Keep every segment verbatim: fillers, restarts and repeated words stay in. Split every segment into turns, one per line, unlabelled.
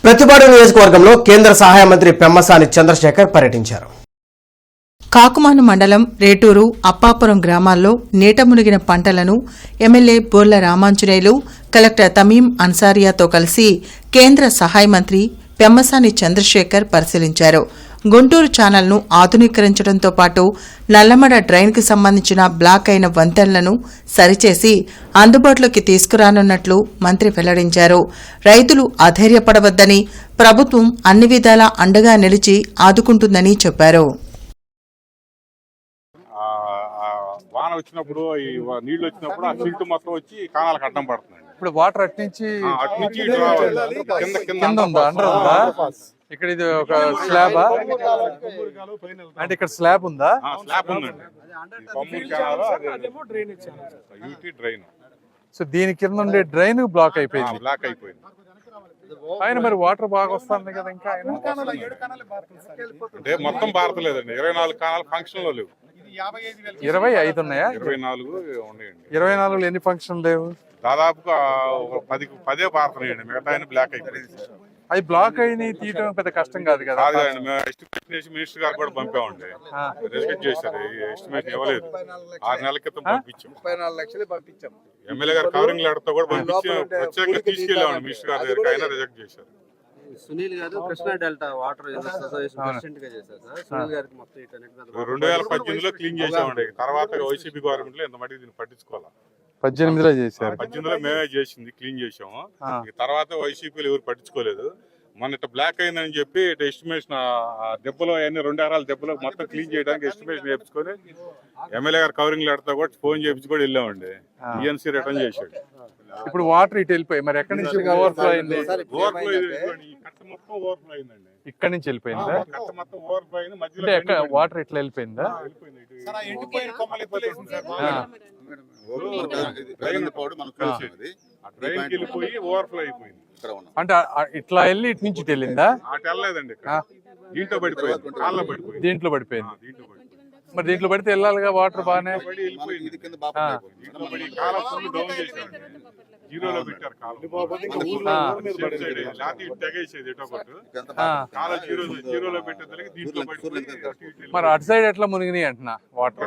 ప్రతిపాడు నియోజకవర్గంలో కేంద్ర సహాయ మంత్రి పెమ్మసాని చంద్రశేఖర్ పర్యటించారు.
కాకుమాను మండలం రేటూరు, అప్పాపురం గ్రామాల్లో నీట మునిగిన పంటలను ఎమ్మెల్యే బోర్ల రామాంజనేయులు, కలెక్టర్ తమీం అన్సారియాతో కలిసి కేంద్ర సహాయ మంత్రి పెమ్మసాని చంద్రశేఖర్ పరిశీలించారు. గుంటూరు ఛానల్ను ఆధునీకరించడంతో పాటు నల్లమడ డ్రైన్కు సంబంధించిన బ్లాక్ అయిన వంతెనలను సరిచేసి అందుబాటులోకి తీసుకురానున్నట్లు మంత్రి వెల్లడించారు. రైతులు అధైర్యపడవద్దని, ప్రభుత్వం అన్ని విధాలా అండగా నిలిచి ఆదుకుంటుందని చెప్పారు.
వాన వచ్చినప్పుడు ఈ నీళ్లు వచ్చినప్పుడు ఆ సిల్ట్ మొత్తం వచ్చి కానాలకు అడ్డం పడుతుంది.
ఇప్పుడు వాటర్ అట్నుంచి
అట్నుంచి ఇటు రావాలి. కింద
కింద ఉందా, అండర్ ఉందా? ఇక్కడ ఇది ఒక స్లాబ్ అంటే ఇక్కడ స్లాబ్ ఉందా?
స్లాబ్ ఉందండి. డ్రైన్.
సో దీని కింద ఉండే డ్రైన్ బ్లాక్ అయిపోయింది.
బ్లాక్ అయిపోయింది.
ఆయన మరి వాటర్ బాగా వస్తుంది కదా ఇంకా ఆయన?
అంటే మొత్తం భారతలేదండి, ఇరవై నాలుగు కానాలు ఫంక్షన్ లో లేవు.
ఇరవై ఐదు ఉన్నాయా?
ఇరవై నాలుగు ఉన్నాయండి.
ఇరవై నాలుగులో ఎన్ని ఫంక్షన్ లేవు?
దాదాపుగా పది పదే భారతలేయండి, మిగతా ఆయన బ్లాక్ అయిపోయింది.
అది బ్లాక్ అయిన తీయడం పెద్ద కష్టం కాదు కదా?
కాదండి, మేము ఎస్టిమేషన్ చేసి మినిస్టర్ గారు కూడా పంపామండి, రిజెక్ట్ చేశారు. ఎస్టిమేషన్ ఇవ్వలేదు. ఆరు నెలల క్రితం పంపించాం.
ముప్పై నాలుగు లక్షలు పంపించాం.
ఎమ్మెల్యే గారు కవరింగ్ లెటర్ తో కూడా పంపించి ప్రత్యేకంగా తీసుకెళ్ళామండి మినిస్టర్ గారి దగ్గరికి, అయినా రిజెక్ట్ చేశారు.
Sunil garu Krishna delta water association president గా చేశారు సార్. సునీల్ గారికి మొత్తం ఇటు
రెండు వేల పద్దెనిమిదిలో క్లీన్ చేసామండి. తర్వాత వైసీపీ గవర్నమెంట్ లో ఎంత మటుకు దీన్ని పట్టించుకోవాలి.
పద్దెనిమిదిలో చేశారు.
పద్దెనిమిదిలో మేమే చేసింది, క్లీన్ చేసాము. తర్వాత వైసీపీలు ఎవరు పట్టించుకోలేదు. మన ఇట్లా బ్లాక్ అయిందని చెప్పి ఇటు ఎస్టిమేషన్ దెబ్బలో అన్ని రెండు ఎకరాల దెబ్బలో మొత్తం క్లీన్ చేయడానికి ఎస్టిమేషన్ చేయించుకొని ఎమ్మెల్యే గారు కవరింగ్ లెటర్తో కూడా ఫోన్ చేయించి కూడా వెళ్ళామండి. ఈఎన్సీ రిటర్న్ చేశాడు.
ఇప్పుడు వాటర్ ఇటు వెళ్ళిపోయి మరి ఎక్కడి నుంచి ఓవర్ఫ్లో అయింది?
ఓవర్ఫ్లో కట్ట మొత్తం ఓవర్ఫ్లో అయిందండి.
ఇక్కడ నుంచి వెళ్ళిపోయిందా?
కట్ట మొత్తం ఓవర్ఫ్లో అయింది. మధ్యలో
ఎక్కడ వాటర్ ఇట్లా వెళ్ళిపోయిందా?
ఓవర్ఫ్లో అయిపోయింది.
అంటే ఇట్లా వెళ్ళి ఇటు నుంచి వెళ్ళిందా?
అటు వెళ్ళలేదండి, దీంట్లో పడిపోయింది, కాళ్ళలో పడిపోయింది.
దీంట్లో పడిపోయింది. మరి దీంట్లో పడితే వెళ్ళాలిగా వాటర్ బాగానే.
జీరోలో పెట్టారు కాలం, తెగేసేది ఎటో కొట్టు కాలం జీరో జీరోలో పెట్టేదానికి దీంట్లో పడిపోయింది.
మరి అటు సైడ్ ఎట్లా మునిగినాయి అంటున్నా వాటర్?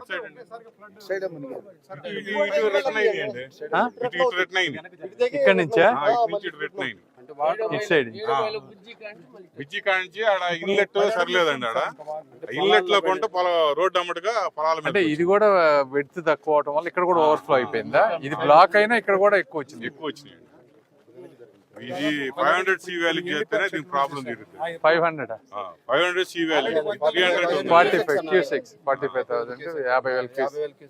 ఇక్కడ నుంచా? ఇటు సైడ్
బిజ్జి కాంచి ఆడ ఇన్లెట్ సరిలేదండి. ఆడ ఇన్లెట్ లో కొంటే పొల రోడ్డు అమ్మటిగా పొలాల మీద.
అంటే ఇది కూడా వెడ్త్ తక్కువ అవడం వల్ల ఇక్కడ కూడా ఓవర్ఫ్లో అయిపోయిందా? ఇది బ్లాక్ అయినా ఇక్కడ కూడా ఎక్కువ వచ్చింది.
ఎక్కువ వచ్చినాయి. ఇది ఫైవ్ హండ్రెడ్ సి వ్యాలీ చేస్తేనే దీనికి ప్రాబ్లం తీరుతుంది.
Five hundred
five hundred C valley three hundred
forty five Q six forty five thousand యాభై వేల